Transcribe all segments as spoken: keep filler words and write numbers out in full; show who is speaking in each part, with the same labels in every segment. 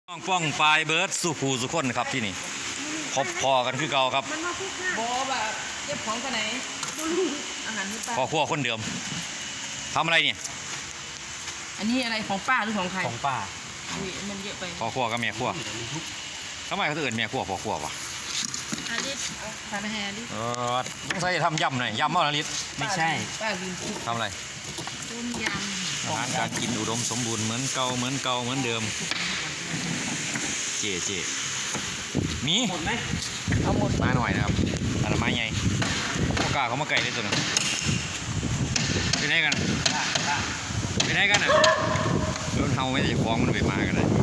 Speaker 1: ป้องป้องปลายเบิร์ดสุภูสุคนครับที่นี่พบพอกันคือเก่าครับ
Speaker 2: บอแบบเก็บของกันไหนอาหารที่ป้า
Speaker 1: พอขั้วคนเดิมทำอะไรเนี่ย
Speaker 2: อันนี้อะไรของป้าหรือของใคร
Speaker 3: ของป้า
Speaker 2: อุ้ยมันเยอะไป
Speaker 1: พอขั้วกับแม่ขั้วทำไมเขาถึงเอิ้นแม่ขั้วพอขั้ววะ
Speaker 2: อาลิสทานอาหารดิ
Speaker 1: เออต้องใส่ทำยำหน่อยยำเมื่อไรลิศ
Speaker 3: ไม่ใช่
Speaker 2: ป้าลืมคิด
Speaker 1: ทำอะไร
Speaker 2: ต้มยำ
Speaker 1: อาหารการกินอุดมสมบูรณ์เหมือนเก่าเหมือนเก่าเหมือนเดิมเจ๊เจ๊มี
Speaker 3: หมดไหม
Speaker 2: เอาหมด
Speaker 1: มาหน่อยนะครับอันละไม้ใหญ่พวกกาเขามาไก่ได้ตัวนึงไปไหนกันไปไหนกันอ่ะรถเฮาไม่ได้จะฟ้องมันไปมากันเลย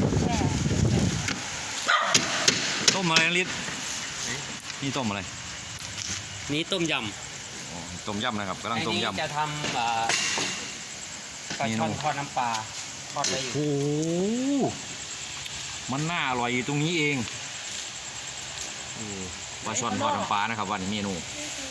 Speaker 1: ต้มอะไรลิศนี่ต้มอะไร
Speaker 3: นี่ต้มย
Speaker 1: ำต้มยำนะครับกำลังต้มยำ
Speaker 3: จะทำปลาช่อนทอดน้ำปลาทอดไปอยู่
Speaker 1: โอ้โหมันน่าอร่อยอยู่ตรงนี้เองปลาช่อนทอดน้ำปลานะครับวันนี้เมนู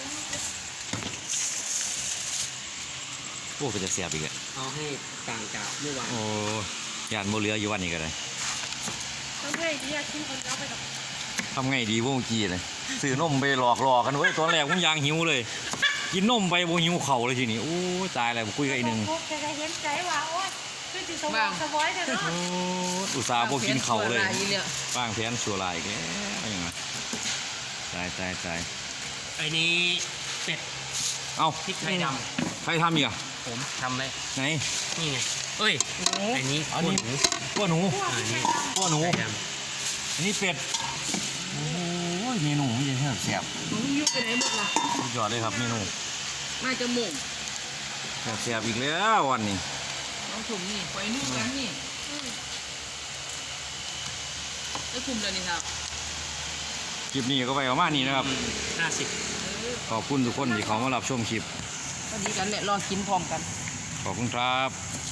Speaker 1: โอ้ก็จะเสียบอีกอ่ะ
Speaker 3: เอาให้ต่างจากเมื่อวาน
Speaker 1: โอ้ยานโมเรืออยู่วันนี้ก็ได้
Speaker 2: ต้องให้ดีอะชิ้นคนเดียวไปกับ
Speaker 1: ทำไงดีพวกกี้เลยซื้อนมไปหลอกหลอกกันเว้ยตอนแรกผมยางหิวเลยกินนมไปโบหิวเข่าเลยทีนี้โอ้ตายแล้วคุยกันอีกหนึ่ง
Speaker 4: จะเห็นใจว่าโอ๊ยคือติดสมองสมอยเถอะเนาะ
Speaker 1: อุตส่าห์โบกินเข่าเลย
Speaker 2: บ้
Speaker 1: างแผนชัวร์ลายแกอะไรอย่างเงี้ยตายตายตาย
Speaker 3: ไอ้นี้เป็ด
Speaker 1: เอ้า
Speaker 3: พริกไทยด
Speaker 1: ใครทำอีกอ่ะ
Speaker 3: ำผมทำเลย
Speaker 1: ไหน
Speaker 3: นี่ไงเอ้ยไอ้นี้ขั้วหนู
Speaker 1: ขั้วหนู
Speaker 3: อันนี้
Speaker 1: ขั้วหนูอันนี้เป็ดโอ้ยเมนูมันจะแซ่บแซ่บ
Speaker 2: หนูยุบไปไหนหมดล่ะ
Speaker 1: สุดยอดเลยครับเมนู
Speaker 2: มาจะหม่ง
Speaker 1: แซ่บแซ่บอีกแล้ววันนี้
Speaker 2: น้องถุงนี่ไปนู่นกันนี่ได้คุมเลยนี่ครับ
Speaker 1: คลิปนี้ก็ไปประมาณนี้นะครับ
Speaker 3: ห้าสิบ
Speaker 1: ขอบคุณทุกคนที่เขามารับชมคลิป
Speaker 2: พอดีกันแหละรอกินพร้อมกัน
Speaker 1: ขอบคุณครับ